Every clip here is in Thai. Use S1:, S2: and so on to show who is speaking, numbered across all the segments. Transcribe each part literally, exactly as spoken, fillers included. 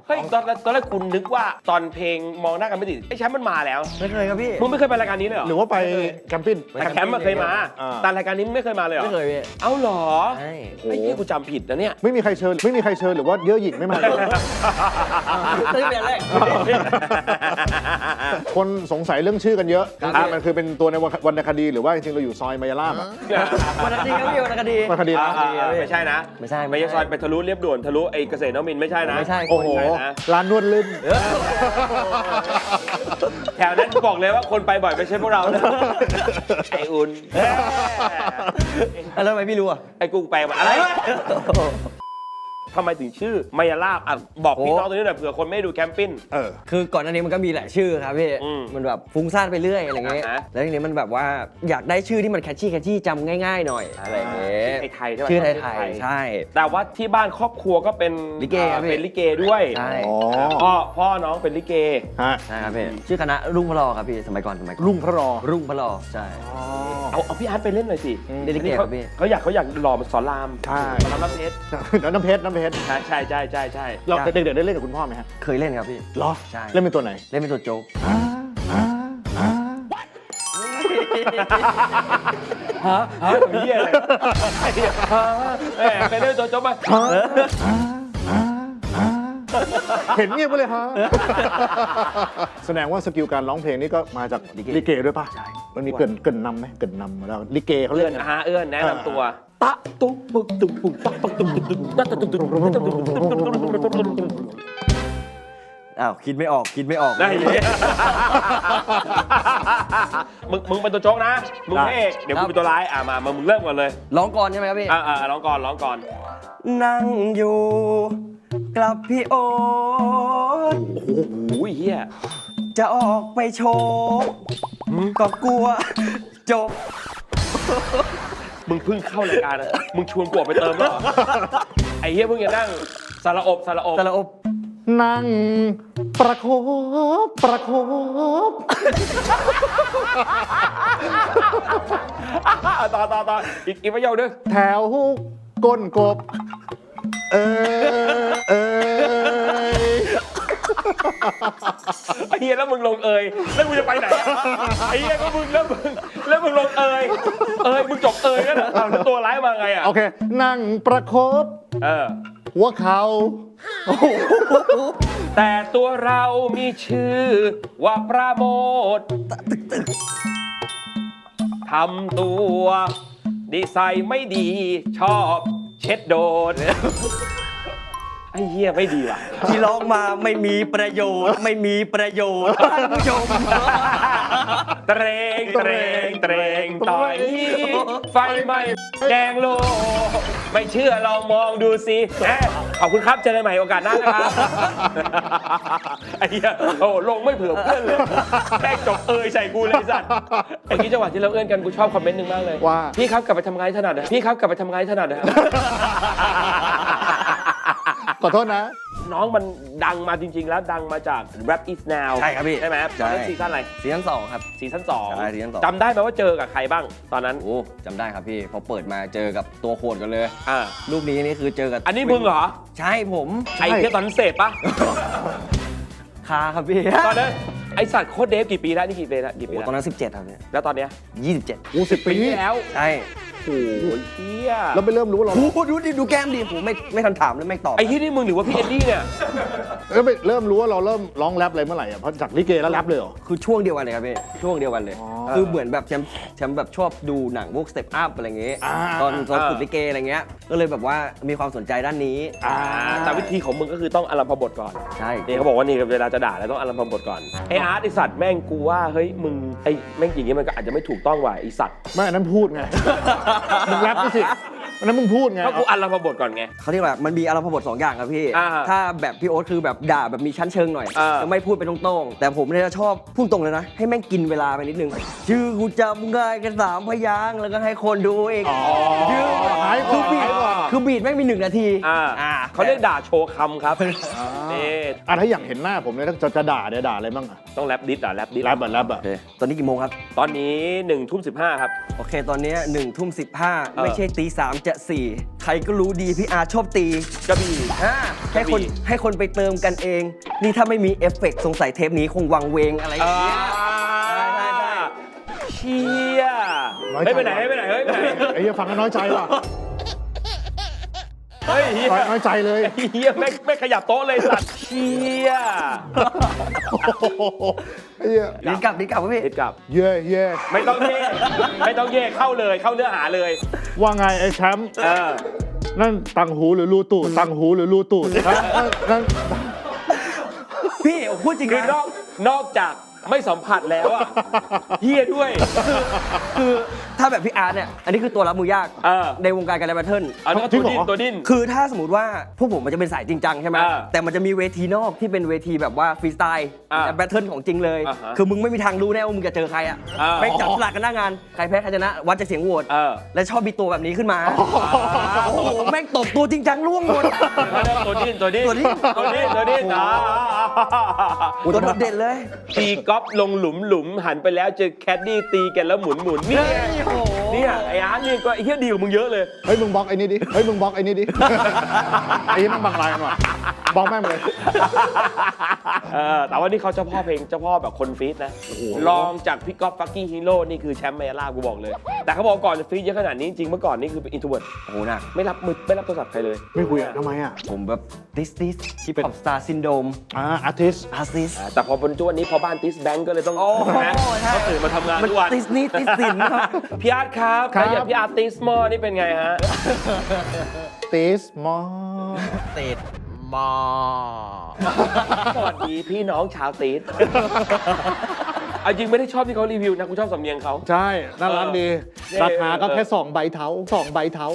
S1: เฮ้ยตอนตอนแรกคุณนึกว่าตอนเพลงมองหน้ากันไม่ติดไอ้แชมป์มันมาแล้ว
S2: ไม่เคยครับพี่
S1: มึงไม่เคยไปรายการนี้เลยเหรอ
S3: หรือว่าไปแคมปิ้ง
S1: แต่แคมป์มันเคยมาแต่รายการนี้ไม่เคยมาเลยเหรอ
S2: ไม่เคยพี่
S1: เอ้าเหรอ
S2: ใช่
S1: ไอ้ที่กูจำผิดนะเนี่ย
S3: ไม่มีใครเชิญไม่มีใครเชิญหรือว่าเยอะหยิกไม่มา
S2: ตั้งแต่แรก
S3: คนสงสัยเรื่องชื่อกันเยอะมันคือเป็นตัวในวรรณคดีหรือว่าจริงๆเราอยู่ซอยมายาลาบอะ
S2: วรรณคดีครับพี่วรรณคดี
S3: วรรณคดีนะ
S1: ไม่ใช่นะ
S2: ไม่ใช่
S1: ไม่ใช่ซอยไปทะลุเรียบด่วนทะลุไอ้เกษตรนวมินทร์ไม่ใช่นะ
S2: ไม่ใช่
S3: โอ้โหร้านนวดลื่น
S1: แถวนั้นบอกเลยว่าคนไปบ่อยไม่ใช่พวกเรานะไอ้อุ่น
S2: แล้วทำไมพี่รู้อ่ะ
S1: ไอ้กูไปมาอะไรทำไมถึงชื่อมายาลาบอ่ะบอกพี่น้องตัวนี้หน่อยเผื่อคนไม่ดูแคมปิ้ง
S3: เออ
S2: คือก่อนหน้านี้มันก็มีหลายชื่อครับพี่มันแบบฟุ้งซ่านไปเรื่อยอะไรเงี้ยแล้วทีนี้มันแบบว่าอยากได้ชื่อที่มันแคชชี่แคชชี่จำง่ายๆหน่อยอะไรเงี้ย
S1: ไทยใช่ไหม
S2: ชื่อไทยใช่
S1: แต่ว่าที่บ้านครอบครัวก็เป็น
S2: ลิเก
S1: เป็นลิเกด้วย
S2: ใช่
S1: พ่อพ่อน้องเป็นลิเก
S2: ใช่ครับพี่ชื่อคณะรุ่งพระรอครับพี่สมัยก่อนสมัยก่อน
S3: รุ่งพระรอ
S2: รุ่งพระรอใช่
S1: เอาเอาพี่อาร์ตไปเล่นหน่อยสิ
S2: เล่นลิเกครับพี่
S1: เขาอยากเขาอยากหล่อมาสอนราม
S3: ใช่
S1: น้ำเพชร
S3: น้ำเพชรน้ำเพชร
S1: ใช่ใช่ใช่ใช่ใช่
S3: เราเด็กๆได้เล่นกับคุณพ่อไหมฮะ
S2: เคยเล่นครับพี่
S3: เหรอ
S2: ใช่
S3: เล่นเป็นตัวไหน
S2: เล่นเป็นตัวโจ๊ก
S1: ฮะฮะเฮียอะไรฮะแหมไปเล่นตัวโจ๊กมา
S3: เห็นเงียบไปเลยฮะแสดงว่าสกิลการร้องเพลงนี่ก็มาจากลิเกด้วยป่ะใช่มันมีเกินเกินนำไหมเกินนำมาแล้วลิเกเขาเล่น
S1: ฮะเอื้อนแนะนำตัวตะตุ๊กปุ๊กตุ๊กปุ๊กตักปักตุ๊กตุ๊กตุ๊กตักตุ๊กตุ๊กตุ๊ก
S2: อ้าวคิดไม่ออกคิดไม่ออก
S1: ได้มึงมึงเป็นตัวโจ๊กนะมึงพระเอกเดี๋ยวมึงเป็นตัวร้ายอ่ะมามึงเริ่มก่อนเลย
S2: ร้องก่อนใช่ไหมครับพี่
S1: อ่าอ่าร้องก่อนร้องก่อน
S2: นั่งอยู่กลับพี่โอ๊ต
S1: โอ้โหเฮีย
S2: จะออกไปโชว์ก็กลัวจบ
S1: มึงเพิ่งเข้ารายการนะมึงชวนกูออกไปเติมแล้วไอ้เฮียเพิ่งจะนั่งสารอบสารอบ
S2: สารอบ
S3: นั่งประคบประคบ
S1: ต่อต่อต่ออีกอีกประโยคนึง
S3: แถวก้นกบเออเออ
S1: ไอ้เฮียแล้วมึงลงเอยแล้วมึงจะไปไหนไอ้เฮียก็มึงแล้วมึงแล้วมึงลงเอยเอยมึงจบเอยกันเหรอแล้วตัวร้ายมาไงอ่ะ
S3: โอเคนั่งประคบ
S1: เออ
S3: หัวเข่า
S1: แต่ตัวเรามีชื่อว่าประโมททำตัวดีไซน์ไม่ดีชอบเช็ดโดนไอ้เหี้ยไม่ดีว่ะ
S2: ที่ร้องมาไม่มีประโยชน์ไม่มีประโยชน์ท่านผู้ชม
S1: เตรงเตรงเตรงต่อยไฟไหม้แดงโลไม่เชื่อลองมองดูสิขอบคุณครับเจอกันใหม่โอกาสหน้านะครับไอ้เหี้ยโอ้ลงไม่เผื่อเพื่อนเลยแม่งจบเอยใส่กูเลยสัตว์ไอ้ที่จังหวะที่เราเอื้อนกันกูชอบคอมเมนต์หนึ่งมากเลย
S3: ว่า
S1: พี่ครับกลับไปทำงานถนัดนะพี่ครับกลับไปทำงานถนัดนะ
S3: ขอโทษนะ
S1: น้องมันดังมาจริงๆแล้วดังมาจาก Rap Is Now
S2: ใช่ครับพี่
S1: ใช่ไหมครับตอนนั้นซีซั่นอะไร
S2: ซีซั่นสองครับ
S1: ซีซั่นสอง
S2: ใช่ซีซั่นสอง
S1: จำได้ไหมว่าเจอกับใครบ้างตอนนั้น
S2: โอ้จำได้ครับพี่พอเปิดมาเจอกับตัวโคตรกันเลย
S1: อ่า
S2: รูปนี้นี่คือเจอกับ
S1: อันนี้มึงเหรอ
S2: ใช่ผม
S1: ไอ้เที่ยตอนนั้นเสพปะ
S2: คาครับพี่
S1: ตอนนั้นไอสัตว์โคตรเดฟกี่ปีแล้วนี่กี่ปีแล้วกี่ปีแล้ว
S2: ตอนนั้นสิบเจ็ดครับเนี่ย
S1: แล้วตอนเนี้ย
S2: ยี่สิบเจ็ด
S3: โอ้สิบปี
S1: แล้ว
S2: ใช่
S1: โอ้ยเฮีย
S3: เราไปเริ่มรู้ว่าเรา
S2: โอ้ดูดิดูแก้มดิผมไม่ไม่ทันถามเลยไม่ตอบ
S1: ไอ้ที่นี่มึงหรือว่าพี่เอ็ดดี้เนี่ย
S3: แล้วไปเริ่มรู้ว่าเราเริ่มร้องแรปอะไรเมื่อไหร่อ่ะเพราะจากลิเกแล้วแรปเลยเหรอ
S2: คือช่วงเดียวกันเลยครับพี่ช่วงเดียวกันเลยคือเหมือนแบบแชมป์แชมป์แบบชอบดูหนังพวกสเต็ปอัพอะไรเงี้ยตอนตอนฝึกลิเกอะไรเงี้ยก็เลยแบบว่ามีความสนใจด้านนี้
S1: แต่วิธีของมึงก็คือต้องอารัมพบทก่อน
S2: ใช่
S1: นี่เขาบอกว่านี่เวลาจะด่าแล้วต้องอารัมพบทก่อนไอ้อาร์ตไอ้สัตว์แม่งกูว่าเฮ้ยมึงไอ้แม่งอย่างงี้มันก็อาจจะไม่ถูกต้องว่ะไอ้สัตว์
S3: ไม่อันนั้นพูดไงมึงแรปนี่สิอันนั้นมึงพูดไง
S1: ก็กูอารัมพบทก่อนไง
S2: เขาเรียกว่ามันมีอารัมพบทสองอย่างครับพี่ถ้าแบบพี่โอ๊ตคือแบบด่าแบบมีชั้นเชิงหน่อยจะไม่พูดไปตรงๆแต่ผมเนี่ยชอบพูดตรงเลยนะให้แม่งกินเวลาไปนิดนึงชื่อกูจำง่ายกันสามพยางค์แล้วก็ให้คนดูเอง
S3: ชื่อหาย
S2: คือบีทคือบีทแม่งมีหนึ่งนาที
S1: เขาเรียกด่าโชว์คำครับนี่
S3: อ่ะถ้าอย่างเห็นหน้าผมเนี่ยจะจะด่าเนี่ยด่าอะไรบ้างอ่ะ
S1: ต้องแรปดิสอ่ะแรปดิส
S3: แรปแบบแรปอ่ะ
S2: โอเคตอนนี้กี่โมงครับ
S1: ตอนนี้หนึ่งทุ่มสิบห้าครับ
S2: โอเค ตอนนี้หนึ่งทุ่มสิบห้า
S1: เออ
S2: ไม่ใช่ตีสามจะสี่ใครก็รู้ดีพี่อาร์ชอบตี
S1: กระบี่
S2: อ่าให้คน
S1: กระบี่
S2: ให้คนไปเติมกันเอง นี่ถ้าไม่มีเอฟเฟกต์สงสัยเทปนี้คงวังเวงอะไรอย่างเงี้ย ใช่ใช่ใช่
S1: เชี่ย
S3: น้อยใจ
S1: เฮ้ยไปไหนเฮ้ยไปไหนเฮ้ยไปไหน
S3: ไอ้เหี้ยฟังแล้วน้อยใจว่ะ
S1: เฮ้ยเฮีย
S3: น้อยใจเลย
S1: เฮียไม่ไม่ขยับโต๊ะเลยสัตว์เชี่ย
S3: ไอ้เหี้ย
S2: ลิ้นกลับลิ้นกลับครับพี่
S1: ติดกลับ
S3: เย่เย่
S1: ไม่ต้องเย่ไม่ต้องเย่เข้าเลยเข้าเนื้อหาเลย
S3: ว่าไงไอ้แชมป์
S1: เออ
S3: นั่นตังหูหรือรูตูดตังหูหรือรูตูดนั่นนั่น
S2: พี่ผมพูดจริง
S1: คือน
S2: นะ
S1: อกนอกจากไม่สัมผัสแล้วอะเฮียด้วย
S2: คือถ้าแบบพี่อาร์ตเนี่ย อันนี้คือตัวรับมือยาก
S1: เออ
S2: ในวงการการแบทเทิล
S1: อันนี้ก็ตัวดิ้นตัวดิ้น
S2: คือถ้าสมมติว่าพวกผมมันจะเป็นสายจริงจังใช่ไหม
S1: อ่า
S2: แต่มันจะมีเวทีนอกที่เป็นเวทีแบบว่าฟรีสไตล์
S1: อ่า
S2: แบทเทิลของจริงเลย
S1: อ่าฮะ
S2: คือมึงไม่มีทางรู้แน่ว่ามึงจะเจอใครอ่ะ
S1: อ่า
S2: ไม่จับสลากกันหน้างาน ใครแพ้ใครชนะ วัดจากเสียงโหวต
S1: เออ
S2: และชอบมีตัวแบบนี้ขึ้นมา โอ้โห แม่งตบตัวจริงจังล่วงหมด
S1: ตัวดิ้นตัวดิ้น
S2: ตัวดิ้น
S1: ตัวดิ้นตัวดิ้นอ่า
S2: ตัวโดดเด่นเลย
S1: ตีก๊อฟลงหลุมหลุมหันไปแล้วเจอแคดดี้ตีกันแล้วหมุนหมุนนี่ไง
S2: โอ้โห
S1: เนี่ยไอ้อาร์ตนี่ก็ไอ้เหี้ยดีกว่ามึงเยอะเลย
S3: เฮ้ยมึงบล็อกไอ้นี่ดิเฮ้ยมึงบล็อกไอ้นี่ดิ ไอ้นี่มันบังลายกันว่ะบล็อกแม่งเลย
S1: เออแต่ว่านี่เขาเจ้าพ่อเพลงเจ้าพ่อแบบคนฟีดนะลองจากพี่ก๊อฟฟักกี้ฮีโร่นี่คือแชมป์ไมอาล่ากูบอกเลย แต่เขาบอกก่อนจะฟีดเยอะขนาดนี้จริงเมื่อก่อนนี่คือเป็นอินโทรเวิร์ด
S2: โอ้โหหนัก
S1: ไม่รับมือไม่รับโทรศัพท์ใครเลย
S3: ไม่คุยอ่ะทำไมอ่ะ
S2: ผมแบบติสติสที่เป็นสตาร์ซินโดม
S3: อ่าอาร์ติส
S2: อาร์ติส
S1: อ่าแต่พอบนจุวันนี้พอบ้านติสแบงก์ก็เลยต้อง
S2: โอ้โห
S1: นะ
S2: ใช่
S1: เขาตื่นมาทำงาน
S2: มัน
S1: ทุกวัน
S2: ติสนี่ติสสินครับ
S1: พี่อาร์ตครับแล้วอย่างพี่อาร์ติสมอนี่เป็นไงฮะ
S3: ติสมอ
S2: ติดมอ
S1: สวัสดีพี่น้องชาวติสเอาจริงไม่ได้ชอบที่เขารีวิวนะกูชอบสำเนียงเขา
S3: ใช่น่ารักดี
S1: เออ
S3: ราคาก็แค่สองใบเท้าสองใบเท้า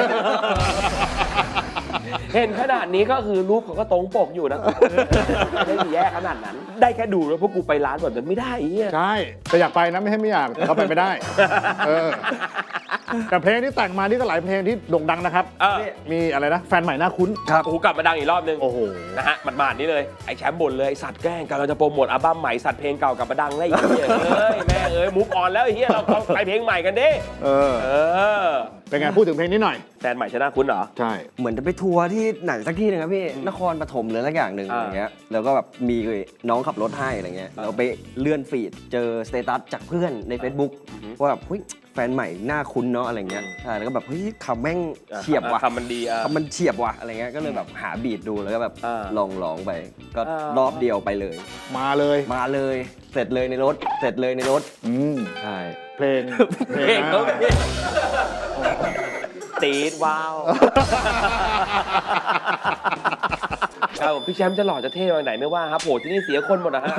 S1: เห็นขนาดนี้ก็คือรูปเขาก็ตรงปกอยู่นะไม่ได้แย่ขนาดนั้น ได้แค่ดูแล้วพวกกูไปร้านแบบนั้นไม่ได้ไอ้เหี้ย
S3: ใช่แต่อยากไปนะไม่ใช่ไม่อยากแต่เขาไปไม่ได้เออแต่เพลงที่แต่งมานี่ก็หลายเพลงที่โด่งดังนะครับ
S1: เออ
S3: มีอะไรนะแฟนใหม่น่าคุ้น
S2: ครับ
S1: โอ้โหกลับมาดังอีกรอบนึง
S3: โอ้โห
S1: นะฮะหมาดๆนี่เลยไอ้แชมป์บ่นเลยไอ้สัตว์แกล้งกำลังจะโปรโมทอัลบั้มใหม่สัตว์เพลงเก่ากลับมาดังแล้วไอ้เหี้ยเอ้ยแม่เอ้ยมุกออนแล้วไอ้เหี้ยเราเราไปเพลงใหม่กันดิ
S3: เออ
S1: เออ
S3: เป็นไงพูดถึงเพลงนี้หน่อย
S1: แฟนใหม่ชนะคุณเหรอ
S3: ใช่
S2: เหมือนจะไปทัวร์ที่ไหนสักที่หนึงครับพี่ นครปฐมหรือสักอย่างหนึ่ง
S1: อ่า
S2: อย่างเงี้ย แล้วก็แบบมีน้องขับรถให้อะไรเงี้ย เราไปเลื่อนฟีดเจอสเตตัสจากเพื่อนใน Facebook ว่าแบบเฮ้ยแฟนใหม่หน้าคุ้นเนาะอะไรเงี้ยใช่แล้วก็แบบเฮ้ยคำแม่งเฉียบว่ะ
S1: คำมันดีอ่ะ
S2: คำมันเฉียบว่ะอะไรเงี้ย ก็เลยแบบหาบีทดูแล้วก็แบบ
S1: อ่า
S2: ลองร้องไป ก็
S1: อ่าร
S2: อบเดียวไปเลย
S3: มาเลย
S2: มาเลย เสร็จเลยในรถ เสร็จเลยในรถ
S3: อืม
S2: ใช่
S3: เพลง
S1: เพลง
S3: นะ
S1: เขาตีดว้าวครับผมพี่แชมป์จะหล่อจะเท่มาไหนไม่ว่าครับโหที่นี่เสียคนหมดนะฮะ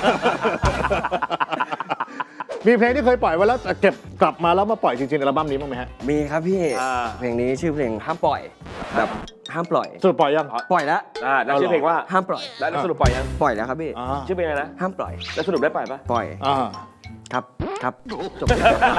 S3: มีเพลงที่เคยปล่อยไว้แล้วแต่เก็บกลับมาแล้วมาปล่อยจริงๆในอัลบั้มนี้บ้างไหมฮะ
S2: มีครับพี่
S1: อ่า
S2: เพลงนี้ชื่อเพลงห้ามปล่อย แบบห้ามปล่อย
S3: สรุปปล่อยยัง
S2: ปล่อยแล้ว
S1: อ่าแล้วชื่อเพลงว่า
S2: ห้ามปล่อย
S1: แล้วสรุปปล่อยยัง
S2: ปล่อยแล้วครับพี่
S3: อ่า
S1: ชื่อเพลงอะไรนะ
S2: ห้ามปล่อย
S1: แล้วสรุปได้ปล่อยปะ
S2: ปล่อย
S3: อ่า
S2: ครับ ครับ จบ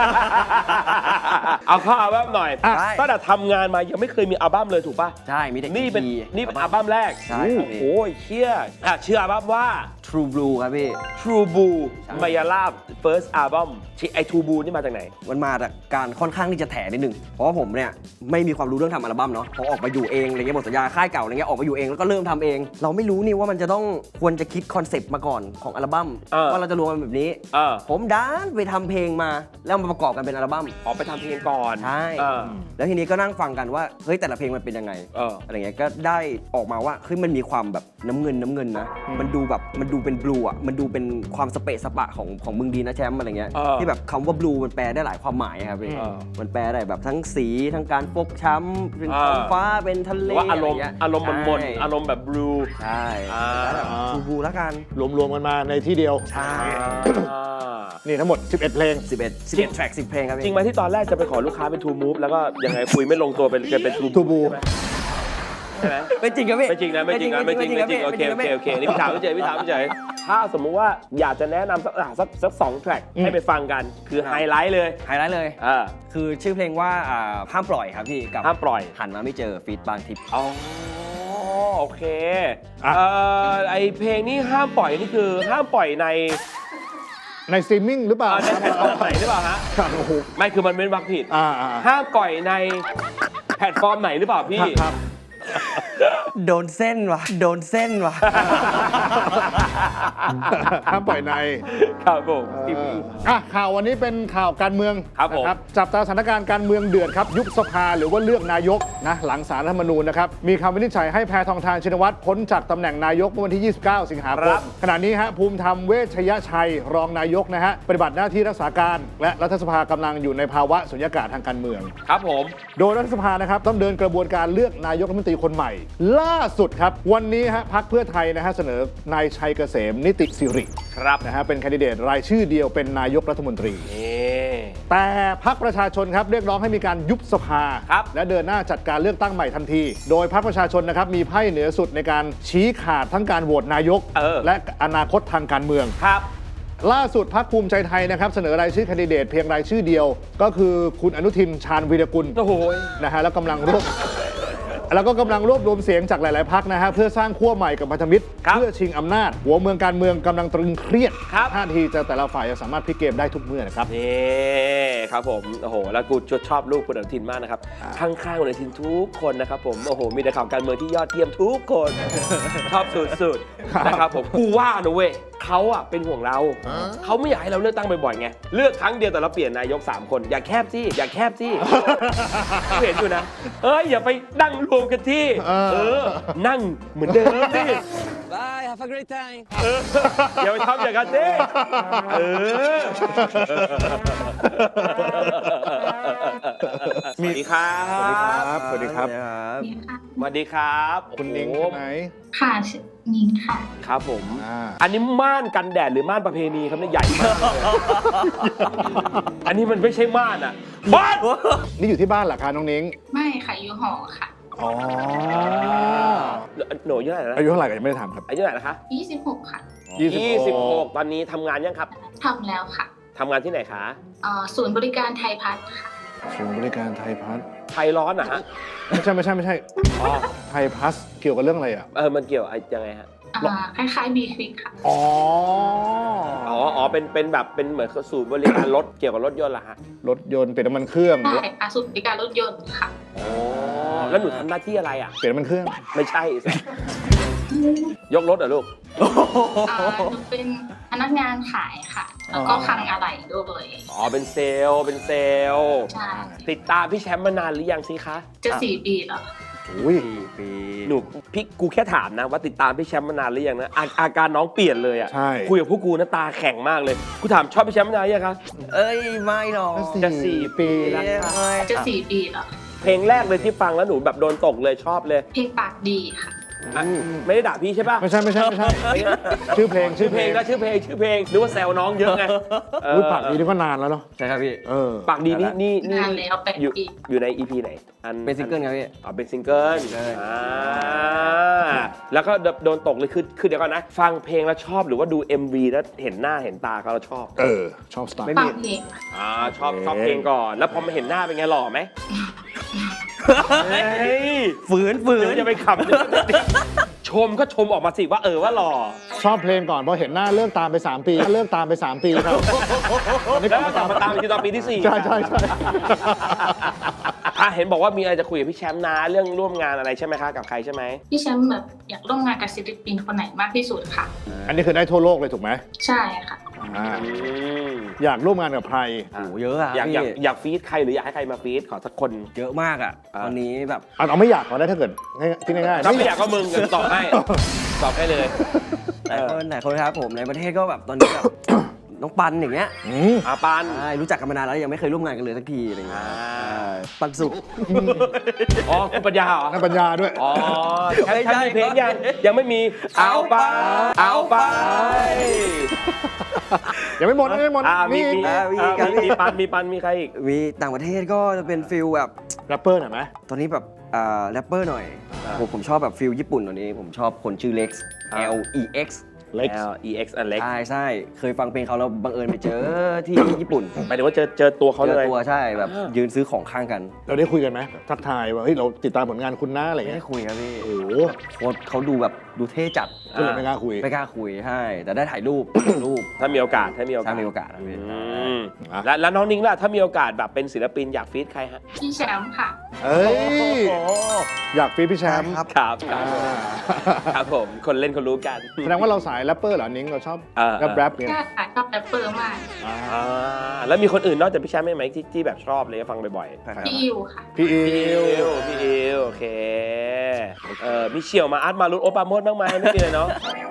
S1: เอาเข้าอัลบั้มหน่อย
S2: อ่ะ
S1: ตั้งแต่ทำงานมายังไม่เคยมีอัลบั้มเลยถูกปะ
S2: ใช่ มีแต่
S1: นี่เป็น
S2: อี พี
S1: นี่เป็นอัลบั้มแรก
S2: ใช่ครับพี่
S1: โอ้ยเชี่ยอ่ะชื่ออัลบั้มว่า
S2: True Blue ครับพี่
S1: True Blue มายาลา First Album ที่ไอ True Blue นี่มาจากไหน
S2: มันมาจากการค่อนข้างที่จะแถนิดนึง เพราะว่าผมเนี่ยไม่มีความรู้เรื่องทำอัลบั้มเนาะพอออกมาอยู่เองอะไรเงี้ยหมดสัญญาค่ายเก่าอะไรเงี้ยออกมาอยู่เองแล้วก็เริ่มทำเอง เราไม่รู้นี่ว่ามันจะต้องควรจะคิดคอนเซปต์มาก่อนของอัลบั้ม
S1: เออ
S2: ว่าเราจะรวมมันแบบนี้
S1: เออ
S2: ผมดันไปทำเพลงมาแล้วมาประกอบกันเป็นอัลบั้ม
S1: ออกไปทำเพลงก่อน
S2: ใช่
S1: เออ
S2: แล้วทีนี้ก็นั่งฟังกันว่าเฮ้ยแต่ละเพลงมันเป็นยังไง
S1: เออ
S2: อะไรเงี้ยก็ได้ออกมาว่าเฮ้ยมันมีความแบบน้ำเงินน้ำเงินนะมันดูแบบมันดูเป็นบลูอ่ะมันดูเป็นความสเปะสปะของของมึงดีนะแชมป์อะไรเงี้ย
S1: เออ
S2: ที่แบบคำว่าบลูมันแปลได้หลายความหมายครับพี่
S1: เออ
S2: มันแปลได้แบบทั้งสีทั้งการฟกช้ำเป็น
S1: เออ
S2: ท้องฟ้าเป็นทะ
S1: ห
S2: เล
S1: รือว่าอารมณ์
S2: ะไเงี้ย
S1: อารมณ์มนๆ
S2: ใช่
S1: อารมณ์แบบ blue
S2: ใช่
S1: อ่า
S2: แล้วแบบทูบูแล้วกัน
S3: รวมๆกันมาในที่เดียว
S2: ใช่
S1: อ่า
S3: นี่ทั้งหมด สิบเอ็ด เพลง
S2: สิบเอ็ด สิบเอ็ดแทร็กสิบเพลงครับ
S1: จริ
S2: พี่
S1: งไหมที่ตอนแรกจะไปขอลูกค้าเป็น True Move แล้วก็ยังไงคุยไม่ลงตัวเป็นเป็น True
S3: True Blue
S1: ใช่ไหม
S2: ไม่จริงครับพี่
S1: ไม่จริงนะไม่จริงนะไม่จริงไม่จริงโอเคโอเคโอเคนี่พี่ถามพี่เฉยพี่ถามพี่เฉยถ้าสมมุติว่าอยากจะแนะนำสักอ่ะสักสักสองแทร็กให้ไปฟังกันคือไฮไลท์เลย
S2: ไฮไลท์เลย
S1: อ่า
S2: คือชื่อเพลงว่าอ่าห้ามปล่อยครับพี่กับ
S1: ห้ามปล่อย
S2: หันมาไม่เจอฟีดบางทิป
S1: อ๋อโอเคเอ่อไอเพลงนี้ห้ามปล่อยนี่คือห้ามปล่อยใน
S3: ในสตรีมมิ่งหรือเปล่า
S1: ในแพลตฟอร์มไหนหรือเปล่าฮะ
S3: ครับโอ้โห
S1: ไม่คือมันเป็นวักผิด
S3: อ่าอ่า
S1: ห้ามปล่อยในแพลตฟอร์มไหนหรือเปล่าพี่
S3: ครับ
S2: โดนเส้นวะโดนเส้นวะ
S3: ห้ามปล่อยใน
S1: ครับผม
S3: เอออ่ะข่าววันนี้เป็นข่าวการเมือง
S1: ครับผม
S3: นะจับตาสถานการณ์การเมืองเดือดครับยุบสภาหรือว่าเลือกนายกนะหลังศาลรัฐธรรมนูญนะครับมีคำวินิจฉัยให้แพทองธารชินวัตรพ้นจากตำแหน่งนายกเมื่อวันที่ ยี่สิบเก้า สิงหาคมขณะนี้ฮะภูมิธรรมเวชยชัยรองนายกนะฮะปฏิบัติหน้าที่รักษาการและรัฐสภากำลังอยู่ในภาวะสุญญากาศทางการเมือง
S1: ครับผม
S3: โดยรัฐสภานะครับต้องเดินกระบวนการเลือกนายกรัฐมนตรีคนใหม่ ล่าสุดครับวันนี้ฮะพรรคเพื่อไทยนะฮะเสนอนายชัยเกษมนิติสิริ
S1: ครับ
S3: นะฮะเป็นแคนดิเดตรายชื่อเดียวเป็นนายกรัฐมนตรี
S1: นี่
S3: แต่พรรคประชาชนครับเรียกร้องให้มีการยุบสภา
S1: ครับ
S3: และเดินหน้าจัดการเลือกตั้งใหม่ทันที โดยพรรคประชาชนนะครับมีไพ่เหนือสุดในการชี้ขาดทั้งการโหวตนายก
S1: เออ
S3: และอนาคตทางการเมือง
S1: ครับ
S3: ล่าสุดพรรคภูมิใจไทยนะครับเสนอรายชื่อแคนดิเดตเพียงรายชื่อเดียว ก็คือคุณอนุทินชาญวีรกุล
S1: โอ้โห
S3: นะฮะแล้วกำลังรวบ แล้วก็กำลังรวบรวมเสียงจากหลาย ๆ พรรคนะฮะเพื่อสร้างขั้วใหม่กับพันธมิตร
S1: ครับ
S3: เพื่อชิงอำนาจ หัวเมืองการเมืองกำลังตรึงเครียด
S1: ครับ
S3: ท่าทีจะแต่ละฝ่ายจะสามารถพลิกเกมได้ทุกเมื่อนะครับ
S1: นี่ครับผมโอ้โหแล้วกูชอบลูกคุณอนุทินมากนะครับ
S3: อ่า
S1: ข้างๆคุณอนุทินทุกคนนะครับผมโอ้โหมีแต่ข่าวการเมืองที่ยอดเยี่ยมทุกคน ชอบสุดๆนะครับผมกูว่านะเว้ยเขาอะเป็นห่วงเราเขาไม่อยากให้เราเลือกตั้งบ่อยๆไงเลือกครั้งเดียวแต่เราเปลี่ยนนายกสามคนอย่าแคบที่อย่าแคบที่ กูเห็นอยู่นะเอ้ยอย่าไปนั่งรวมกันที่
S3: เออ
S1: เออนั่งเหมือนเดิมดิ
S2: Bye have a great time
S1: เอออย่าไปทำอย่างนั้นดิเออสวัสดีครับ
S3: สวัสดีครับ
S1: สวัสดีครับ
S3: คุณนิ้ง
S1: โอ้
S3: ใช่
S1: โห
S3: ไหม
S4: ค่ะชื่อนิ้งค่ะ
S1: ครับผม
S3: อ่า
S1: อันนี้ม่านกันแดดหรือม่านประเพณีครับเนี่ยใหญ่มากเลยอันนี้มันไม่ใช่ม่านอ่ะบ้าน
S3: นี่อยู่ที่บ้านเหรอคะน้องนิ้ง
S4: ไม่ค่ะอยู่หอค่ะ
S3: อ๋อ
S1: หนูอายุเท่าไหร่นะ
S3: อายุเท่าไหร่กันยังไม่ได้ถามครับ
S1: อายุเท่าไหร่นะคะ
S4: ยี่สิบหกค่ะ
S3: ยี่สิบหก
S1: ยี่สิบหกตอนนี้ทำงานยังครับ
S4: ทำแล้วค่ะ
S1: ทำงานที่ไหนคะ
S4: เอ่อศูนย์บริการไทยพัฒน์ค่ะ
S3: ศูนย์บริการไทยพัฒน์
S1: ไทยร้อนนะฮะ
S3: ไม่ใช่ไม่ใช่ไม่ใช่
S1: อ๋อ
S3: ไทยพัฒน์เกี่ยวกับเรื่องอะไรอ่ะ
S1: เออมันเกี่ยวอะไรยังไงฮะ
S4: อ่าคล้ายๆบีควิกค่ะ
S3: อ๋อ
S1: อ๋ออ๋อเป็นเป็นแบบเป็นเหมือนศูนย์บริการรถเกี่ยวกับรถยนต์เหรอฮะ
S3: รถยนต์เปลี่ยนน้ำมันเครื่อง
S4: ใช่ค่ะศูนย์บริการรถยนต์ค่ะ
S1: อ๋อแล้วหนูทำหน้าที่อะไรอ่ะ
S3: เปลี่ยนน้ำมันเครื่อง
S1: ไม่ใช่สิยกรถเหรอลูก
S4: อ่าหนูเป็นพนักงานขายค่ะ แล้วก็คลังอะไหล่ด้วย
S1: อ๋อเป็นเซลล์เป็นเซลล์
S4: ใช่
S1: ติดตามพี่แชมป์มานานหรือยังสิคะ
S4: จะสี่ปีแล้ว
S3: อุ้ย
S2: ปี
S1: หนูพี่กูแค่ถามนะว่าติดตามพี่แชมป์มานานหรือยังนะอาอาการน้องเปลี่ยนเลยอ่ะ
S3: ใช่
S1: คุยกับพวกกูนะตาแข็งมากเลยกูถามชอบพี่แชมป์มานานหรือยังคะ
S2: เอ้ยไม่หรอก
S1: จะสี่ปีแล้วค่ะ
S2: เอ้ย
S4: จะสี่ปีแล้ว
S1: เพลงแรกเลยที่ฟังแล้วหนูแบบโดนตกเลยชอบเลย
S4: เพลงปากดีค่ะ
S1: อ่ะไม่ได้ด่าพี่ใช่ป่ะ
S3: ไม่ใช่ไม่ใช่ไม่ใช่ ชื่อเพลง
S1: ชื่อเพลงนะชื่อเพลงชื่อเพลงนึกว่าแซวน้องเยอะไง
S3: อุ้ยปากดีนี่ก็นานแล้วเนาะ
S2: ใช่ครับพี่
S3: เออ
S1: ปากดีนี่นี่นี่
S4: นานแล้วแปด
S1: อยู่
S4: ปี
S1: อยู่ใน อี พี ไหนอัน
S2: เป็นซิงเกิลครับพี่
S1: อ๋อเป็นซิงเกิล
S2: ใช่
S1: อ่าแล้วก็โดนตกเลยคือคือเดี๋ยวก่อนนะ ฟังเพลงแล้วชอบหรือว่าดู เอ็ม วี แล้วเห็นหน้าเห็นตาเขาแล้วชอบ
S3: เออ ชอบสไตล์
S2: ไม่
S4: ฟั
S2: มี
S4: งเพลง
S1: อ่าชอบชอบเพลงก่อน แล้วพอมาเห็นหน้าเป็นไงหล่อไหมเฮ้ย
S2: ฝืนฝื
S1: เดี๋ย
S2: น
S1: วจะไปขำชมก็ชมออกมาสิว่าเออว่าหล่อ
S3: ชอบเพลงก่อนพอเห็นหน้าเลิกตามไปสามปีเลิกตามไปสามปีครับตอนนี้
S1: แล้ว
S3: ก
S1: ก็
S3: ลับ
S1: ก
S3: มา
S1: ลับ
S3: ตาม
S1: มาตามอีกทีตอนปีที่สี่
S3: ใช่ใช่ใช่
S1: อ่ะเห็นบอกว่ามีอะไรจะคุยกับพี่แชมป์นะเรื่องร่วมงานอะไรใช่ไหมคะกับใครใช่ไหม
S4: พี่แชมป์แบบอยากร่วมงานกับศิลปินคนไหนมากที่สุดค่ะ
S3: อันนี้คือได้ทั่วโลกเลยถูกไหม
S4: ใช่ค่ะ
S3: อ่า
S1: อืม
S3: อยากร่วมงานกับใคร
S2: โอ้โหเยอะอะ
S1: อยากอยาก
S2: พี่
S1: อยากฟีดใครหรืออยากให้ใครมาฟีดขอสักคน
S2: เยอะมากอ่ะ
S1: อ่า
S2: ตอนนี้แบบ
S3: เอาเอาไม่อยากขอได้ถ้าเกิดง่ายที่ง่ายๆ
S1: ถ้าไม่อยากก็มึงเดี๋ยวตอบให้ตอบให้เลย
S2: หลายคนหลายคนครับผมในประเทศก็แบบตอนนี้แบบ น้องปันอย่างเงี้ย
S3: อืม
S1: อาปัน
S2: ใช่รู้จักกันมานานแล้วยังไม่เคยร่วมงานกันเลยสักทีอะไรเงี้ย
S1: อ่า
S2: ใช่ปันสุก
S1: อ๋อคุณปัญญาเหรอ
S3: นักปัญญาด้วย
S1: อ๋อแค่
S2: ไม่ใช่
S1: แค่มีเพลงยังยังไม่มีเอาไป เอาไป
S3: ยังไม่หมดยังไม่หมด
S1: อ่ามี
S3: มี
S1: มี
S2: อ่ามี
S1: อ่า
S2: ครับ
S1: มีมีปันมีปันมีใครอีก
S2: มีต่างประเทศก็จะเป็นฟิลแบบ
S3: แรปเปอร์หน่อยไหม
S2: ตอนนี้แบบอ่าแรปเปอร์หน่อย
S1: อ่า
S2: ผมผมชอบแบบฟิลญี่ปุ่นตอนนี้ ผมชอบคนชื่อ Lex
S1: อ่า
S2: L E X
S3: Lex
S1: L E X อันเล็ก
S2: ใช่ใช่เคยฟังเพลงเขาแล้วบังเอิญไปเจอที่ญี่ปุ่น
S1: หมายถึงว่าเจอเจอตัวเขา
S2: เจ
S1: เล
S2: อย ตัวใช่แบบ
S1: อ่ายื
S2: ยืนซื้อของข้างกัน
S3: เราได้คุยกันไหมทักทายว่าเฮ้ยเราติดตามผลงานคุณนะอะไร
S2: ไม่
S3: เงี้
S2: ได้
S3: ย
S2: คุยครับพี่
S3: โอ้โห
S2: โค้ชเขาดูแบบดูเท่จัด
S3: ก็เลยไม่กล้าคุย
S2: ไม่กล้าคุยใช่แต่ได้ถ่ายรูป รูป
S1: ถ้ามีโอกาสถ้ามีโอกา
S2: ถ้า
S1: ส
S2: มีโอกาสนะพี่
S1: อืม
S3: อ่ะ
S1: แล้วแล้วน้องนิ้งล่ะถ้ามีโอกาสแบบเป็นศิลปินอยากฟีดใครฮะ
S4: พี่แชมป์ค่ะ
S3: เอ้ยอยากฟีดพี่แชมป์
S2: ครับ
S1: ครับค
S3: อ่า
S1: รับครับผมคนเล่นคนรู้กัน
S3: แสดงว่าเราสายแรปเปอร์เหรอนิ้งเราชอบ
S1: เออ
S3: แรปแรปเนี่ย
S4: ก็ค่ะชอบแรปเปอร์มาก
S3: อ่า
S1: อ่าแล้วมีคนอื่นนอกจากพี่แชมป์ไหมที่ที่แบบชอบเลยฟังบ่อยๆ
S4: พี่อิวค่ะ
S3: พี่อิ
S1: พี่อิ
S3: ว
S1: วพี่อิวโอเคเออมีเชี่ยวมาอาร์ตมารุตโอปาโมดบ้างไหมไม่มีเลยเนาะ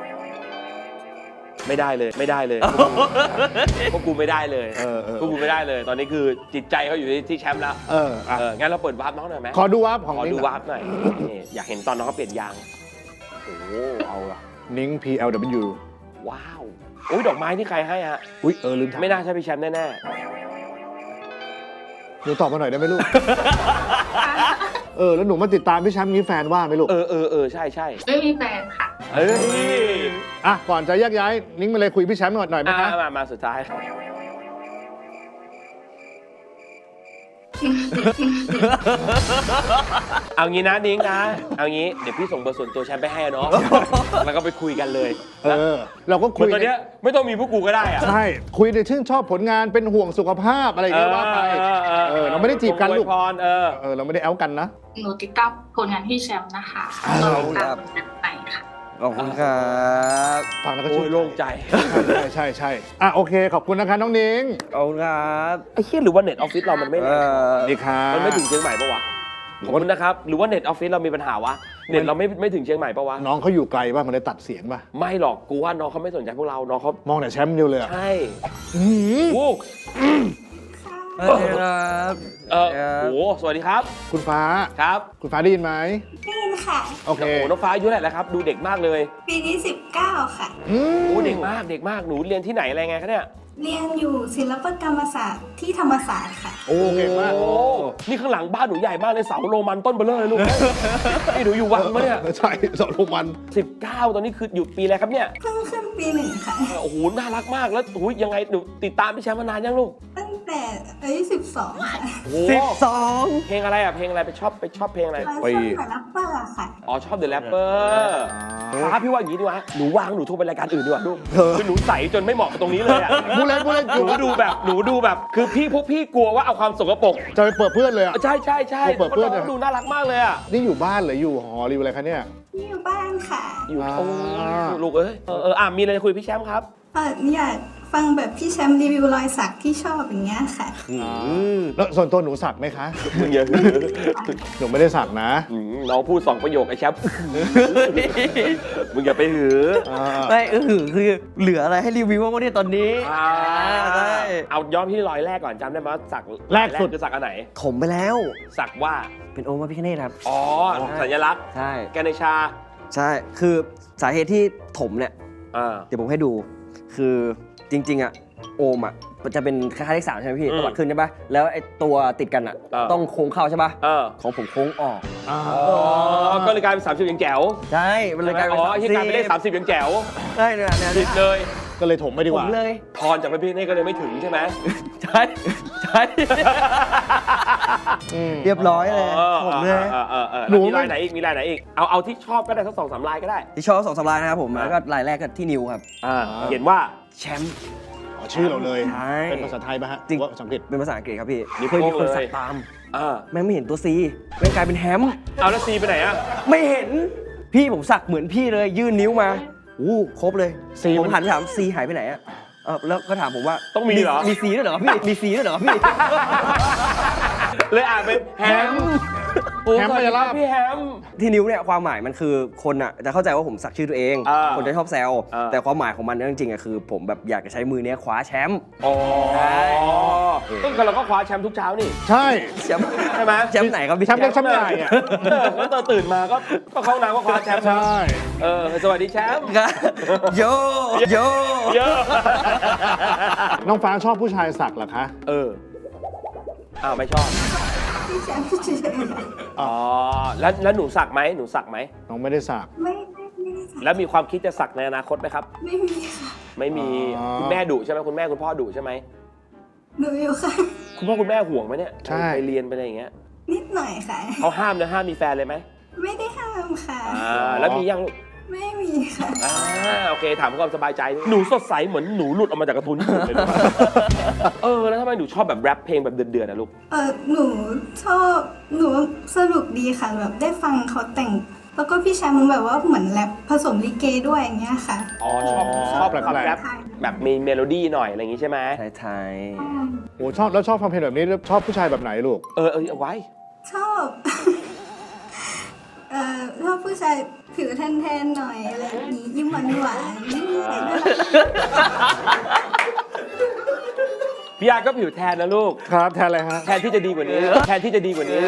S1: ไม่ได้เลยไม่ได้เลยพวกกูไม่ได้เลย
S3: เออเออ
S1: พวกกูไม่ได้เลย ตอนนี้คือจิตใจเขาอยู่ที่ที่แชมป์แล้ว
S3: เอออ่ะ
S1: เอองั้นเราเปิดวาร์ปน้องหน่อยไหม
S3: ขอดูวาร์ปของ
S1: ขอ
S3: นิ้ง
S1: ดู
S3: หน่อยว
S1: าร์ปหน่อยนี่อยากเห็นตอนน้องเขาเปลี่ยนยางโอ้โหเอาละ
S3: นิ้ง พี แอล ดับเบิลยู
S1: ว้าวอุ้ยดอกไม้ที่ใครให้ฮะ
S3: อุ้ยเออลืมถาม
S1: ไม่น่าใช่พี่แชมป์แน่
S3: หนูตอบมาหน่อยได้ไหมลูก เออแล้วหนูมาติดตามพี่แชมป์งี้แฟนว่าไหมลูก
S1: ๆเออเออเออใช่ใช่
S4: ไม่มีแฟนค่ะ
S1: เอ้ย
S3: อ่ะก่อนจะแยกย้ายนิ้งมาเลยคุยพี่แชมป์หน่อยหน่อยไหม
S1: อ่ะ
S3: คะ
S1: มามาสุดท้าย เอางี้นะนิ้งนะเอางี้เดี๋ยวพี่ส่งเบอร์ส่วนตัวแชมป์ไปให้เนาะแล้วก็ไปคุยกันเลย
S3: เออ เราก็
S1: เห
S3: คุ
S1: มือย นตอนเนี้ยไม่ต้องมีพวกกูก็ได้อะ
S3: ใช่คุยในชื่นชอบผลงานเป็นห่วงสุขภาพอะไรอย่างเงี้ยว่าไปเออเราไม่ได้จีบกันลูก
S1: อวยพรเออ
S3: เออเราไม่ได้แอลกันนะ
S4: หนูติดตามผลงานพี่แชมป์นะคะ
S3: เอา
S4: เราติดตามผลงานไปค่ะ
S2: ขอบคุณครับ
S3: ฟังแล้วก็
S1: โอ้
S3: ชื่
S1: ย
S3: น
S1: โล่งใจ
S3: ใช่ใช่ใช่อ่ะโอเคขอบคุณนะคะน้องนิ้ง
S2: ขอบคุณครับ
S1: ไอ้เหี้ยหรือว่าเน็ตออฟฟิศเรามันไม่
S2: เอ
S1: แรง
S2: อ
S3: ดีค่ะ
S1: มันไม่ถึงเชียงใหม่ปะวะขอบคุณนะครับ หรือว่าเน็ตออฟฟิศเรามีปัญหาวะ เน็ตเราไม่ไม่ถึงเชียงใหม่ปะวะ
S3: น้องเขาอยู่ไกลป่ะมันเลยตัดเสียงป่ะ
S1: ไม่หรอก กูว่าน้องเขาไม่สนใจพวกเรา น้องเขา
S3: มองแต่แชมป์เดียวเลยอะ
S1: ใช่
S3: อื้อหือ
S1: โอ้
S2: สวัสดีครับ
S1: เออโอ้สวัสดีครับ
S3: คุณฟ้า
S1: ครับ
S3: คุณฟ้าได้ยินไหม
S5: ได้ยินค่ะ
S3: โอเค
S1: โอ้น้องฟ้าอายุเท่าไหร่แล้วครับ ดูเด็กมากเลย
S5: ปีนี้สิบเก้าค่ะ
S3: อืม
S1: โอ้เด็กมาก เด็กมาก หนูเรียนที่ไหนอะไรไงคะเนี่ย
S5: เรียนอยู่ศิลปกรรมศาสตร์ที่ธรรมศาสตร์ค่ะ
S3: โอ้เก่งมาก
S1: โอ้นี่ข้างหลังบ้านหนูใหญ่มากเลยเสาโรมันต้นเบลเลอร์เลยลูก นี่หนูอยู่วังมะเนี่ย
S3: ใช่สอนทุกวัน
S1: สิบเก้าตอนนี้คืออยู่ปีอะไรครับเนี่ย
S5: เพิ่งขึ้นปีหนึ่งค่ะ
S1: โอ้โห น่ารักมาก แล้วโอ้ยยังไง หนูติดตามพี่แชมป์มานานยังลูก
S5: ตั้งแต่อายุสิบสองค่ะ
S1: โอ้โห
S2: สิบสอง
S1: เพลงอะไรอ่ะ เพลงอะไรไปชอบไปชอบเพลงอะไร
S5: เรา
S3: ไป
S5: ชอบแต่รับเปอร์ค่ะ
S1: อ๋อ ชอบ The Rapper ฟ้าพี่ว่าอย่างนี้ดีวะหนูวางหนูโทรไปรายการอื่นดีกว่าลูกคือหนูใสจนไม่เหมาะกับตรงนี้เลยอ่ะ
S3: พูดเล่นพูดเล่น
S1: หนูดูแบบหนูดูแบบ คือพี่พวกพี่กลัวว่าเอาความสกปรก
S3: จะไปเปิดเพื่อนเลยอ่ะ
S1: ใช่ใช่ใช่
S3: เปิดเพื่อน
S1: พราะ
S3: อะ
S1: น้องดูน่ารักมากเลยอ่ะ
S3: นี่อยู่บ้านหรืออยู่หอหรืออะไรคะเนี่ย
S5: นี่อยู่บ้านค่ะ
S1: อยู่
S3: อ่า
S1: โอ้ลูกเอ้ยเออเอออ่ะมีอะไรจะคุยกับพี่แชมป์ครับ
S5: เอออยากฟังแบบพี่แชมป์รีวิวรอยสักที่ชอบอย่างเงี้ยค่ะ
S3: แล้วส่วนตัวหนูสักไหมคะ
S1: มึงอย่า
S3: หนูไม่ได้สักนะ
S1: อืมน้องพูดสองประโยคไอ้แชมป์ มึงอย่าไปหือ
S3: อ่า
S2: ไม่เออคือเหลืออะไรให้รีวิวบ้างวะเนี่ยตอนนี้
S1: อ่า
S2: ใช่
S1: เอาย้อนที่รอยแรกก่อนจำได้ไหมว่าสัก
S3: แรกสุด
S1: คือสักอันไหน
S2: ถมไปแล้ว
S1: สักว่า
S2: เป็นองค์พระพิฆเนศครับ
S1: อ๋อ สัญลักษณ์
S2: ใช่
S1: แกเนชา
S2: ใช่ คือสาเหตุที่ถมเนี่ย
S1: อ่า
S2: เดี๋ยวผมให้ดู คือจริง ๆ อ่ะ โอมอ่ะมันจะเป็นคล้ายๆเลขสามใช่ไหมพี่
S1: อืม
S2: ตวัดขึ้นใช่ปะแล้วไอ้ตัวติดกันอ่ะ
S1: เออ
S2: ต้องโค้งเข้าใช่ปะ
S1: เออ
S2: ของผมโค้งออก
S3: อ่า
S1: อ๋อ ก็เลยกลายเป็นสามสิบยังแจ๋ว
S2: ใช่ มันเลยกลายเป็น
S1: อ๋อที่กลายเป็นเลขสามสิบยังแจ๋ว
S2: ใช่เนี่ยเนี่ย
S1: ผิ
S2: เนี่
S1: ด
S2: ย
S1: เลย
S3: ก็เลยถมไปดี
S2: ผ
S3: กว่า
S2: มเลย
S1: พรจากพระพิฆเนศก็เลยไม่ถึงใช่ไหม
S2: ใช่ ใช่
S3: อืม
S2: เรียบร้อยเลย
S1: ออ
S2: ผมเลย
S1: เออเออเออ
S3: หนู
S1: แล้วมีลายไหนอีก มีลายไหนอีก เอาเอาที่ชอบก็ได้สักสองสามลายก็ได้
S2: ที่ชอบสองสามลายนะครับผม แล้วก็ลายแรกก็ที่นิวครับ
S1: อ่าเขียนว่า
S2: แชมป์
S3: อ๋อชื่อเราเลย
S2: ใช่
S3: เป็นภาษาไทยป่ะฮะ
S2: จริง
S3: หอว่าภาษาอังกฤษ
S2: เป็นภาษาอังกฤษครับพี่
S1: นิ้ว
S2: เคยมี
S1: โป้
S2: คน
S1: งเลย
S2: สักตาม
S1: อ่า
S2: แม่งไม่เห็นตัวซีแม่งกลายเป็นแฮม
S1: เอาแล้วซีไปไหนอ่ะ
S2: ไม่เห็น พี่ผมสักเหมือนพี่เลย ยื่นนิ้วมาอู้ครบเลย
S3: ซี
S2: ผม
S3: มัน
S2: หันไปถามซีหายไปไหนอะเออแล้วก็ถามผมว่า
S1: ต้องมีเหรอ
S2: มีซีด้วยเหรอพี่ มีซีด้วยเหรอพี่
S1: เลยอ่านเป็นแฮมโอ้
S3: แฮม
S1: สวัสดี
S3: พยา
S1: ค
S3: ลา
S1: รั
S3: ภ
S1: บพี่แฮม
S2: ที่นิ้วเนี่ยความหมายมันคือคนอ่ะจะเข้าใจว่าผมสักชื่อตัวเอง
S1: อ่า
S2: คนจะชอบแซว
S1: อ่า
S2: แต่ความหมายของมันเนี่ยจริงๆอะคือ ผมแบบอยากจะใช้มือเนี้ยคว้าแชมป์
S1: อ๋อ
S2: ใช่
S1: ก็เราก็คว้าแชมป์ทุกเช้านี่
S3: ใช่
S2: แชมป์
S1: ใช่ไหม
S2: แชมป์ไหนครับพี่
S3: แชมป์เล็กแชมป์ใหญ่อะ
S1: เออแล้วตอนตื่นมาก็ก็เข้าน้ำก็คว้าแชมป์
S3: ใช่
S1: เออสวัสดีแชมป์
S2: ครับโยโย
S1: เยอะ
S3: น้องฟ้าชอบผู้ชายสักเหรอคะ
S1: เอออ้าวไม่ชอบ
S5: พี่แชมป์เฉยๆค่ะ
S1: อ๋อแล้วแล้วหนูสักไหมหนูสักไหม
S3: น้องไม่ได้สัก
S5: ไม่ไม่ไม่ได้
S1: แล้วมีความคิดจะสักในอนาคตไหมครับ
S5: ไม่มีค่ะ
S1: ไม่มี
S3: อ๋อ
S1: คุณแม่ดุใช่ไหมคุณแม่คุณพ่อดุใช่ไหม
S5: หนูอยู่ค่ะ
S1: คุณพ่อคุณแม่ห่วงไหมเนี่ย
S3: ใช่
S1: ไปเรียนไปอะไรอย่างเงี้ย
S5: นิดหน่อยค่ะ
S1: เขาห้ามนะห้ามมีแฟนเลยไหม
S5: ไม่ได้ห้ามค่ะ
S1: อ่าแล้วมียังลูก
S5: ไม่มีค่ะ
S1: อ่าโอเคถามเพื่อความสบายใจหนูสดใสเหมือนหนูหลุดออกมาจากการ์ตูนญี่ปุ่นเลยนะ เออแล้วทำไมหนูชอบแบบแรปเพลงแบบเดือดๆนะลูก
S5: เออหนูชอบ หนูสนุกดีค่ะ แบบได้ฟังเขาแต่ง แล้วก็พี่แชมป์แบบว่าเหมือนแรปผสมลิเกด้วยอย่างเงี้ยค่ะ
S1: อ๋อชอบชอบ
S3: แปลกๆ
S1: ความแรปแบบมีเมโลดี้หน่อยอะไรอย่างงี้ใช่ไหม
S2: ไทย
S3: โอ้ชอบแล้วชอบฟังเพลงแบบนี้แล้วชอบผู้ชายแบบไหนลูก
S1: เออเออเอาไว้
S5: ชอบ เอ่อชอบผู้ชายผิวแทนๆหน่อยอะไรอย่างนี้ยิ้มหวานหวานๆยิ้มใส่น่ารัก
S1: พี่อาร์ก็ผิวแทนนะลูก
S3: ครับแทนอะไรฮะ
S1: แทนที่จะดีกว่านี้ แทนที่จะดีกว่านี้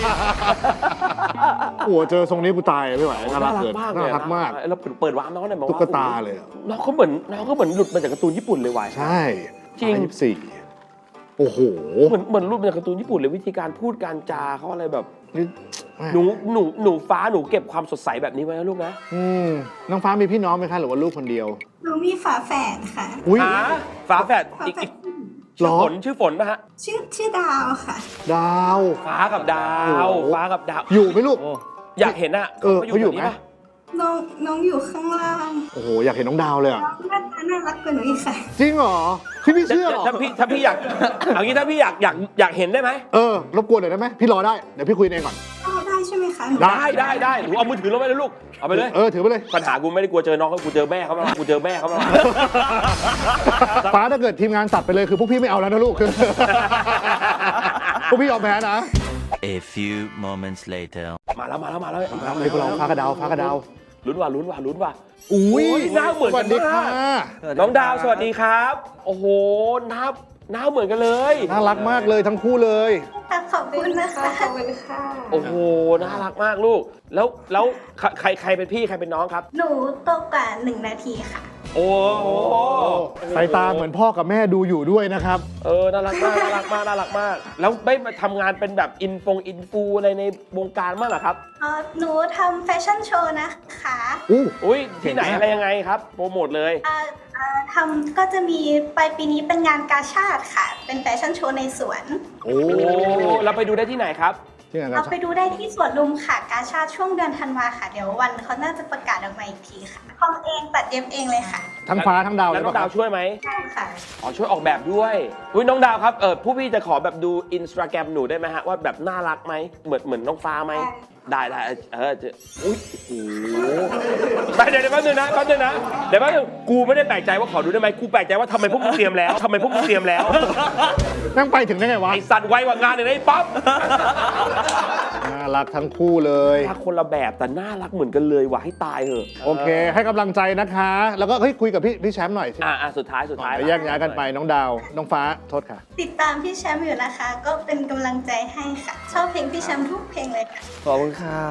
S3: โอ้เจอทรงนี้กูตายไม่ไหวน่ารักเกิน
S1: มากเล
S3: น่าย รักมาก
S1: เราเปิดวาร์ปน้องหน่อยบอก
S3: ตุ๊
S1: ว่าก
S3: ตาเลยอะ
S1: น้องเขาเหมือนน้องเขาเหมือนหลุดมาจากการ์ตูนญี่ปุ่นเลยว่ะ
S3: ใช่
S1: จริง
S3: ยี่สิบสี่โอ้โห
S1: เหมือนเหมือนหลุดมาจากการ์ตูนญี่ปุ่นเลยวิธีการพูดการจาเขาอะไรแบบ
S3: นี่
S1: หนูหนูหนูฟ้าหนูเก็บความสดใสแบบนี้ไว้นะลูกนะ
S3: อืมน้องฟ้ามีพี่น้องไหมคะหรือว่าลูกคนเดียว
S5: หนูมีฝาแฝดค่ะ
S3: อุ้ย
S1: หาฝาแฝด
S5: ฝา
S1: อีก
S5: แฝ
S1: อี
S5: ด
S1: ก
S3: หร
S1: ชื่อ
S3: อ
S1: ฝนชื่อฝนป่ะฮะ
S5: ชื่อชื่อดาวค่ะ
S3: ดาว
S1: ฟ้ากับดา
S3: โอ้
S1: ว
S3: โห
S1: ฟ้ากับดาว
S3: อยู่ไหมลูก
S1: อยากเห็นอะ
S3: เออเขาอยู่ไหม
S1: แถวนี้ปะ
S5: น้องน้องอยู่ข้างล่าง
S3: โอ้โหอยากเห็นน้องดาวเลยอ่ะ
S5: น้องหน้าตาน่ารักกว่าหนูอีกค่ะ
S3: จริงเหรอพี่ไม่เชื่อหรอ
S1: ถ้าพี่ถ้าพี่อยากเอางี้ถ้าพี่อยากอยากอยากเห็นได้ไหม
S3: เออรบกวนหน่อยได้ไหมพี่รอได้เดี๋ยวพี่คุยเองก่อน
S5: อ๋อได้ใช่ไหมคะหนู
S3: ได้
S1: ได้ได้ได้หนูเอามือถือลงไปเลยลูกเอาไปเลย
S3: เออถือไปเลย
S1: ปัญหากูไม่ได้กลัวเจอน้องเขากูเจอแม่เขามากูเจอแม่เขามา
S3: ฟ้าถ้าเกิดทีมงานตัดไปเลยคือพวกพี่ไม่เอาแล้วนะลูก คือพวกพี่ยอมแพ้นะ
S6: A few moments later.
S1: มาแล้วมาแล้วมาแล้ว
S3: เอาเลยพวกเราฟ้ากระดาวฟ้ากระดาว
S1: ลุ้นว่ะลุ้นว่ะลุ้นว่ะ
S3: อุ้ย
S1: โอ้ยหน้าเหมือน
S3: ส
S1: กั
S3: วัน สดีค่ะ
S1: มาก น้องดาวสวัสดีครับ โอ้โหหน้าหน้าเหมือนกันเลย
S3: น่ารักมากเลยทั้งคู่เลย
S5: ขอบคุณนะคะขอบคุณค่ะ
S1: โอ้โหน่ารักมากลูก แล้วแล้วใครใครใครเป็นพี่ใครเป็นน้องครับ
S5: หนูโตกว่าหนึ่งนาทีค่ะ
S1: โอ้โห
S3: สายตาเหมือนพ่อกับแม่ดูอยู่ด้วยนะครับ
S1: เออน่ารักมากน่ารักมากน่ารักมาก แล้วไม่มาทำงานเป็นแบบอินฟงอินฟูอะไรในวงการบ้างเหรอครับ
S5: อ๋อ หนูทำแฟชั่นโชว์นะคะ
S3: อู้
S1: อุ้ยที่ไหน
S3: เก่งมาก
S1: อะไรยังไงครับโปรโมทเลย
S5: อ่าอ่าทำก็จะมีปลายปีนี้เป็นงานกาชาดค่ะ เป็นแฟชั่นโชว์ในสวน
S3: โอ้
S1: โอ้เราไปดูได้ที่ไหนครับ
S3: ที่ไหนกั
S5: เอา
S3: น
S5: ไปดูได้ที่สวนลุมค่ะ กาชาดช่วงเดือนธันวาค่ะ เดี๋ยววันเขาน่าจะประกาศออกมาอีกทีค่ะทำเองตัดเย็บเองเลยค่ะ
S3: ทั้งฟ้าทั้งดาวเล
S1: แล้ว
S3: ย
S1: น้อง
S3: ปะค
S1: ดา
S3: รั
S1: ว
S3: บ
S1: ช่วยไหม
S5: ใช่ค่ะ
S1: อ๋อช่วยออกแบบด้วยอุ้ยน้องดาวครับเออผู้พี่จะขอแบบดูอินสตาแกรมหนูได้ไหมฮะว่าแบบน่ารักไหมเหมือนเหมือนน้องฟ้าไหมได้ได้เออจะอุ้ยโอ้โหไปเดี๋ยวเดี๋ยวแป๊บนึงนะแป๊บนึงนะเดี๋ยวแป๊บนึงกูไม่ได้แปลกใจว่าขอดูได้ไหมกูแปลกใจว่าทำไมพวกมึงเตรียมแล้วทำไมพวกมึงเตรียมแล้ว
S3: นั่งไปถึงได้ไงวะ
S1: ไอสัตว์ไวกว่างานเลยนะไอ้ป๊อป
S3: น่ารักทั้งคู่เลย
S1: ถ้าคนละแบบแต่น่ารักเหมือนกันเลยว่ะให้ตายเหอะ
S3: โอเค ให้กำลังใจนะคะ แล้วก็เฮ้ยคุยกับพี่พี่แชมป์หน่อยสิ
S1: อ่ะอ่ะสุดท้ายสุดท้าย
S3: เดี๋ยวแยกย้ายกันไปน้องดาว น้องฟ้าโทษค่ะ
S5: ติดตามพี่แชมป์อยู่นะคะ ก็เป็นกำลังใจให้ค่ะ ชอบเพลงพี่แชมป์ทุกเพลงเลยค่ะ
S2: ขอบคุณครับ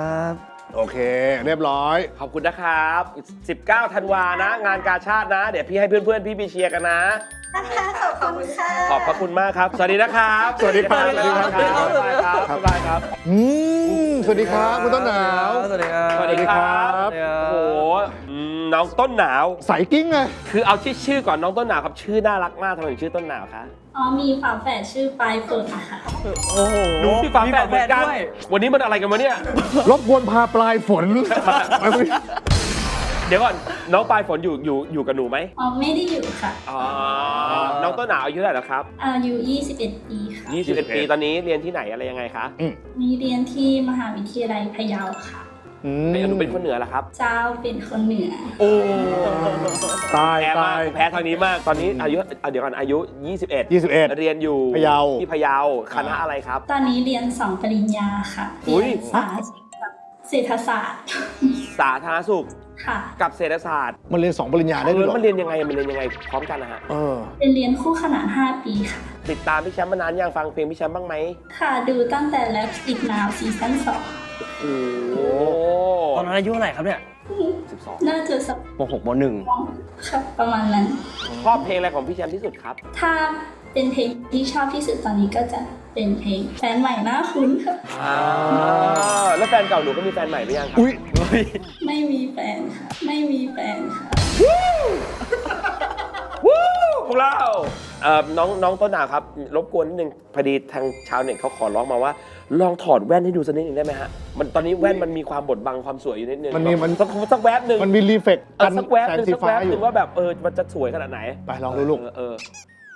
S3: โอเค เรียบร้อย
S1: ขอบคุณนะครับ สิบเก้า ธันวานะ งานกาชาตินะ เดี๋ยวพี่ให้เพื่อนๆ พี่ไปเชียร์กันนะ
S5: นะคะขอบคุณค่ะ
S1: ขอบพระคุณมากครับ สวัสดีนะครับ
S3: สวัสดีครับ
S1: สวัสดีครับ
S3: สวัสดีครับ
S1: บ๊ายบายครับบ๊ายบายครับ
S3: อืมสวัสดีครับคุณต้นหนาว
S2: สวัสดีครับ
S1: สวัสดีครับ
S3: สวัสดีครับ
S1: โอ้โหอืมน้องต้นหนาว
S3: ใสกิ้งเลย
S1: คือเอาที่ชื่อก่อนน้องต้นหนาวครับชื่อน่ารักมากทำไมถึงชื่อต้นหนาวคะ
S7: อ๋อมีฝาแฝดชื่อปลายฝนค่ะ
S2: โอ้โห
S1: หนูที่ฝาแฝดเหมือนกัน
S2: ด้วย
S1: วันนี้มันอะไรกันวะเนี่ย
S3: รบกวนพาปลายฝน
S1: เดี๋ยวก่อนน้องปลายฝนอยู่อยู่อยู่กับหนูไหม
S7: อ๋อไม่ได้อยู่ค่ะ
S1: อ๋อน้องต้นหนาวอายุเท่าไหร่แล้วครับ
S7: อายุยี่สิบเอ็ดปีค่ะ
S1: ยี่สิบเอ็ด ปีตอนนี้เรียนที่ไหนอะไรยังไงคะ
S7: มีเรียนที่มหาวิทยาลัยพะเยาค่ะ
S3: อืม
S1: หนูเป็นคนเหนือเหรอครับ
S7: เจ้าเป็นคนเหนือ
S1: โอ้
S3: ตาย
S1: แพ้มา
S3: ตาก ย
S1: แพ้ทางนี้มาก ตอนนี้อายุอ่ะเดี๋ยวก่อนอายุ ยี่สิบเอ็ด
S3: ยี่สิบเอ็ด
S1: เรียนอยู่
S3: พะเยา
S1: ที่พะเยาคณะอะไรครับ
S7: ตอนนี้เรียนสองปริญญาค่ะ
S1: อุ๊
S7: เรี
S1: ย
S7: ยนสาเศรษฐศาสตร์
S1: สาธารณสุข
S7: ค่ะ
S1: กับเศรษฐศาสตร์
S3: มันเรียนสองปริญญาได้ด้วยเหรอ
S1: มันเรียนยังไงมันเรียนยังไงพร้อมกันนะฮะ
S3: เออ
S7: เป็นเรียนคู่ขนานห้าปีค่ะ
S1: ติดตามพี่แชมป์มานานยังฟังเพลงพี่แชมป์บ้างไหม
S7: ค่ะดูตั้งแต่ Lipstick Now ซีซั่นสอง
S1: โอ้โห
S2: ตอนนั้นอายุเท่าไหร่ครับเนี่ย
S1: สิบสอง
S7: น่าจะสัก
S2: มหกมหนึ่ง
S7: ค่ะประมาณนั้น
S1: ชอบเพลงอะไรของพี่แชมป์ที่สุดครับ
S7: ถ้าเป็นเพลงที่ชอบที่สุดตอนนี้ก็จะเป็นเพลงแฟนใหม่น่าคุ้นค่ะ
S1: อ่าแล้วแฟนเก่าหนูก็มีแฟนใหม่หรือยังครับ
S3: อุ้ย
S7: ไม่ไม่มีแฟนค่ะ ไม่มีแฟนค่ะ
S1: วู้พวกเราเอ่อน้องน้องต้นหนาวครับรบกวนนิดนึงพอดีทางชาวเน็ตเขาขอร้องมาว่า ลองถอดแว่นให้ดูสักนิดนึงได้ไหมฮะมันตอนนี้แว่นมันมีความบดบังความสวยอยู่นิดนึง
S3: มันมีมัน
S1: สักสักแวบหนึ่ง
S3: มันมีรีเฟก
S1: เอ
S3: กั
S1: อน สักแวบ
S3: แส
S1: ห
S3: ง
S1: นึ่ง
S3: สี
S1: สัก
S3: ฟ้า
S1: แวบ
S3: อ
S1: ห
S3: ยู่
S1: นึ่งว่าแบบเออมันจะสวยขนาดไหน
S3: ไปลองดูลูก
S1: เออเออ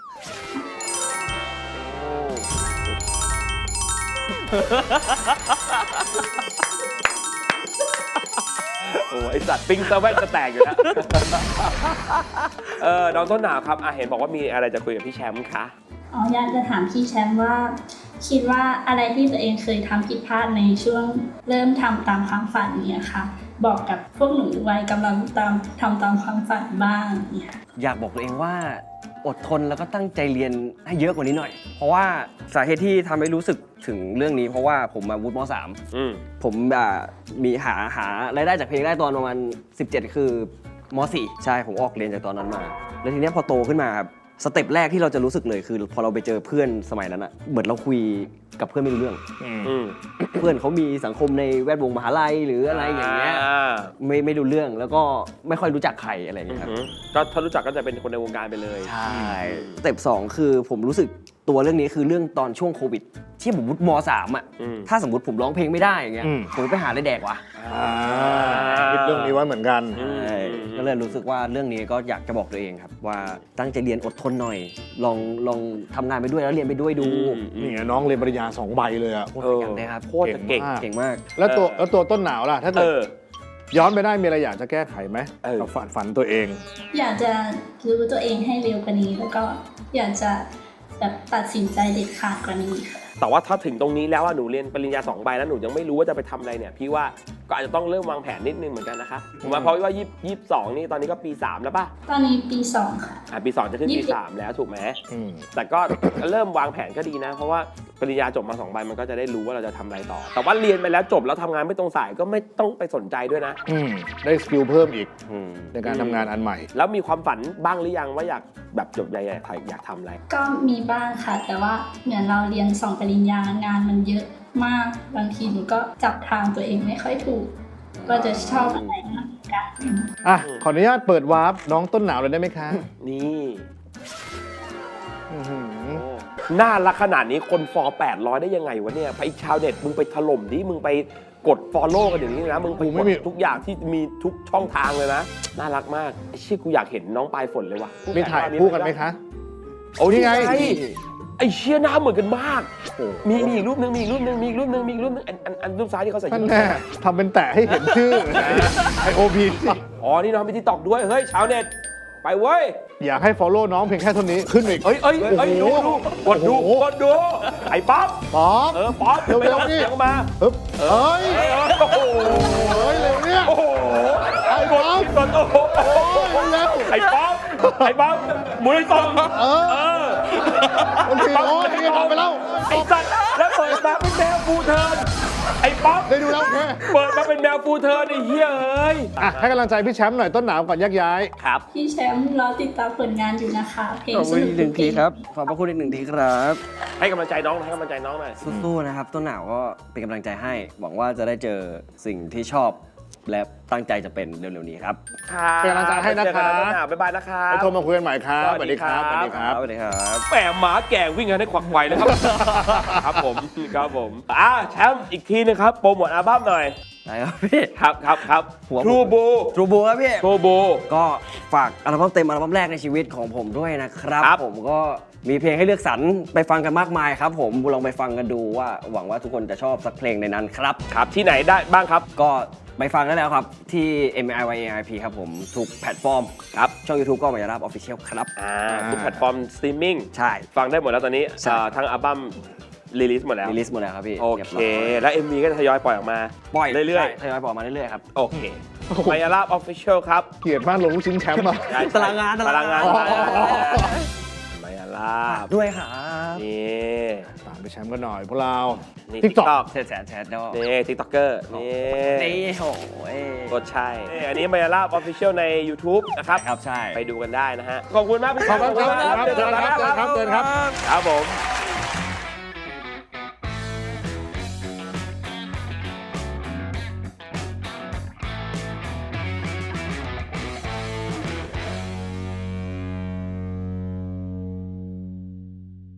S1: โอ้ไอสัตว์ปิ้งซะแว่นจะแตกอยู่แล้ว เออน้องต้นหนาวครับอ่ะเห็นบอกว่ามีอะไรจะคุยกับพี่แชมป์คะ
S7: อ๋ออยากจะถามพี่แชมป์ว่า คิดว่าอะไรที่ตัวเองเคยทำผิดพลาดในช่วงเริ่มทำตามความฝันเนี่ยค่ะ บอกกับพวกหนูวัยกำลังตามทำตามความฝันบ้างเนี่ย
S2: อยากบอกตัวเองว่าอดทนแล้วก็ตั้งใจเรียนให้เยอะกว่านี้หน่อย เพราะว่าสาเหตุที่ทำให้รู้สึกถึงเรื่องนี้เพราะว่าผมมาวุฒิม.สาม
S1: อืม
S2: ผมอ่ามีหาหารายได้จากเพลงได้ตอนประมาณสิบเจ็ด คือม.สี่ ใช่ผมออกเรียนจากตอนนั้นมา แล้วทีเนี้ยพอโตขึ้นมาครับสเต็ปแรกที่เราจะรู้สึกเลยคือพอเราไปเจอเพื่อนสมัยนั้นอะเหมือนเราคุยกับเพื่อนไม่รู้เรื่อง
S1: อืม
S2: เพื่อนเขามีสังคมในแวดวงมหาลัยหรืออะไรอย่างเงี้ย
S1: า
S2: ไม่ไม่รู้เรื่องแล้วก็ไม่ค่อยรู้จักใครอะไรอย่างเงี้ยครับ
S1: อืมก็ถ้ารู้จักก็จะเป็นคนในวงการไปเลย
S2: ใช่สเต็ปสองคือผมรู้สึกตัวเรื่องนี้คือเรื่องตอนช่วงโควิด ที่ผมวุฒิม.สาม อ่ะ
S1: อืม
S2: ถ้าสมมติผมร้องเพลงไม่ได้อย่างเงี้ย
S3: อืม
S2: ผมไปหาอะไรแดกวะ
S3: อ่าคิดเรื่องนี้ไว้เหมือนกัน
S1: อืม
S2: ใช่ก็เลยรู้สึกว่าเรื่องนี้ก็อยากจะบอกตัวเองครับ ว่าตั้งใจเรียนอดทนหน่อย ลองลองทำงานไปด้วยแล้วเรียนไปด้วยดู
S3: นี่ไงน้องเรียนปริญญาสองใบเลยอะ
S2: โคตรขยันเลยครับ
S1: โคตรจะเก่ง
S2: เก่งมาก
S3: แล้วตัว
S1: เออ
S3: แล้วตัวต้นหนาวล่ะ ถ้า
S1: เอ
S3: เกิด
S1: อ
S3: ย้อนไปได้มีอะไรอยากจะแก้ไขไหม
S1: เออ
S3: กับฝันฝันตัวเอง
S7: อยากจะรู้ตัวเองให้เร็วกว่านี้ แล้วก็อยากจะแบบตัดสินใจเด็ดขาดกว่านี้ค่ะ
S1: แต่ว่าถ้าถึงตรงนี้แล้วว่าหนูเรียนปริญญาสองใบแล้วหนูยังไม่รู้ว่าจะไปทำอะไรเนี่ย พี่ว่าก็อาจจะต้องเริ่มวางแผนนิดนึงเหมือนกันนะคะผมว่าเพราะว่ายี่ยี่สิบสองนี่ตอนนี้ก็ปีสามแล้วป่ะ
S7: ตอนนี้ปีสองค่ะ
S1: อ่ะปีสองจะขึ้น
S7: ยี่
S1: ปี
S7: สิบ
S1: สามแล้วถูกไหม
S3: อืม
S1: แต่ก็ เริ่มวางแผนก็ดีนะ เพราะว่าปริญญาจบมาสองใบมันก็จะได้รู้ว่าเราจะทำอะไรต่อ แต่ว่าเรียนไปแล้วจบแล้วทำงานไม่ตรงสายก็ไม่ต้องไปสนใจด้วยนะ
S3: อืมได้สกิลเพิ่มอีก
S2: อืม
S3: ในการทำงานอันใหม่
S1: แล้วมีความฝันบ้างหรือยังว่าอยากแบบจบใหญ่ๆอยากทำอะไร
S7: ก็มีบ้างค่ะ แต่ว่าเหมือนเราเรียนสองปริญญางานมันเยอะมากบางทีหนูก็จับทางตัวเองไม่ค่อยถูกว่าจะชอบอะไรมากกัน
S3: อ่ะ ขออนุญาตเปิดวาร์ปน้องต้นหนาวเลยได้ไหมคะ
S1: นี่
S3: อื้อหือ
S1: น่ารักขนาดนี้คนฟอลแปดร้อยได้ยังไงวะเนี่ยไปชาวเน็ตมึงไปถล่มดิมึงไปกด follow กันอย่างนี้นะมึงไปกดทุกอย่างที่มีทุกช่องทางเลยนะน่ารักมากไอ้เชี่ยกูอยากเห็นน้องปลายฝนเลยว่ะ
S3: มีถ่ายคู่กันไหมคะ
S1: โอ้นี่ไง
S3: นี่ไง
S1: ไอ้เชี่ยหน้าเหมือนกันมากมีมีอีกรูปนึงมีอีกรูปนึงมีอีกรูปนึงมีอีกรูปนึงอันอันอันรูปซ้ายที่เขาใส่
S3: ท่านแน่ทำเป็นแตะให้เห็นชื่อ ไอโอพี
S1: อ๋อนี่น้องมีที่ตอกด้วยเฮ้ยชาวเน็ตไปเว้ย
S3: อยากให้ follow น้องเพียงแค่เท่านี้ขึ้นอีก
S1: เอ้ยเอ้ยเอ้ยดูดูกดดู
S3: โอ้โห
S1: กดดูไอ้ป๊อป
S3: ป๊อป
S1: เออป๊อป
S3: เร็วๆ
S1: ไม่ต้อง
S3: นี่
S1: เสียงมา
S3: ปึ๊บเอ้ย
S1: เอ้ยโอ้โห
S3: เฮ้ยเร็วเนี่ย
S1: โอ้โห
S3: ไอ้ป๊อป
S1: กดโอ้โห
S3: โอ้ยเร็ว
S1: ไอ้ป๊อปไอ้ป๊อปหมุนไอ้ตรง
S3: เออ
S1: เออ
S3: โอเคโอ้ยนี่ทำไปแล้ว
S1: ไอ้สัตว์แล้วเปิดมาเป็นแมวฟูเทิร์นไอ้ป๊อป
S3: ได้ดูแล้วโอเค
S1: เปิดมาเป็นแมวฟูเทิร์นไอ้เหี้ยเอ้ย
S3: อ่ะให้กำลังใจพี่แชมป์หน่อยต้นหนาวก่อนยักย้าย
S1: ครับ
S7: พี่แชมป์รอติดตามผลงานอยู่นะคะเพลง
S2: ขอบ
S7: ส
S2: คุณ
S7: นุ
S2: อี
S7: ก
S2: กหนึ่ง
S7: ทุก
S2: ที
S7: เพลง
S2: ครับขอบพระคุณอีกหนึ่งทีครับ
S1: ให้กำลังใจน้องให้กำลังใจน้องหน่อย
S2: สู้ๆนะครับต้นหนาวก็เป็นกำลังใจให้ หวังว่าจะได้เจอสิ่งที่ชอบ และตั้งใจจะเป็นเร็วๆนี้ครับ
S3: เป็นกำลังใจให้นะครับ
S1: เจอกันะบ๊ายบายนะครับ
S3: ไปโทรมาคุยกันใหม่ครับ
S1: สวัสดีครับ
S3: สวัสดีครับ
S2: สวัสดีครับ
S1: แหมหมาแก่วิ่งกันให้ขวักไขวเลยครับ ครับผมครับผมอ่าแชมป์อีกทีนึงครับโปรโมทอัลบั้มหน่อย
S2: ได้ครับพี่
S1: ครับครับครับ
S2: หัวผม
S1: ทรูบู
S2: ทรูบูครับพี่
S1: ทรูบู
S2: ก็ฝากอัลบั้มเต็มอัลบั้มแรกในชีวิตของผมด้วยนะครับ
S1: ครับ
S2: ผมก็มีเพลงให้เลือกสรรไปฟังกันมากมายครับผมลองไปฟังกันดูว่าหวังว่าทุกคนจะชอบสักเพลงในนั้นครับ
S1: ครับที่ไหนได้บ้างครับ
S2: ก็ไปฟังได้แล้วครับ ที่ เอ็ม ไอ วาย เอ ไอ พี ครับผมทุกแพลตฟอร์มครับช่อง YouTube ก็มายาราบออฟฟิเชียลครับ
S1: อ่าทุกแพลตฟอร์มสตรีมมิ่ง
S2: ใช่
S1: ฟังได้หมดแล้วตอนนี้
S2: ใช่
S1: อ่าทั้งอัลบั้มรีลิสหมดแล้ว
S2: รีลิสหมดแล้วครับพี่
S1: โอ
S2: รียบ
S1: เค
S2: ร้ย
S1: แล้ว เอ็ม วี ก็จะทยอยปล่อยออกมา
S2: ปล่อย
S1: เรื่อย
S2: ๆทยอยปล่อยมาเรื่อยๆครับ
S1: ๆ โอเคมายาลาบออฟฟิเชียลครับ
S3: เกลียดมากลงลูกชิ้นแชมป์อ่ะ
S1: ใช่ใช่
S2: ตารางงาน
S1: ตารางงาน
S3: อ๋อ
S1: มายาลาบ
S2: ด้วยครับ
S1: นี่
S3: ตามไปแชมป์กันหน่อยพวกเรา
S1: นี่
S3: TikTok
S1: TikTok
S2: แชร์แชร์แชร์ดอก
S1: นี่ทิกต็อกเกอร์นี่
S2: นี่โอ้ย
S1: กดใช่นี่อันนี้มายาลาบออฟฟิเชียลใน YouTube นะครับ
S2: ครับใช่
S1: ไปดูกันได้นะฮะ ขอบคุณมากพี่
S3: ขอบคุณครับ
S1: ขอบคุณ
S3: เจอกันครับเจอกันครับเจอกันครับ
S1: ครับผม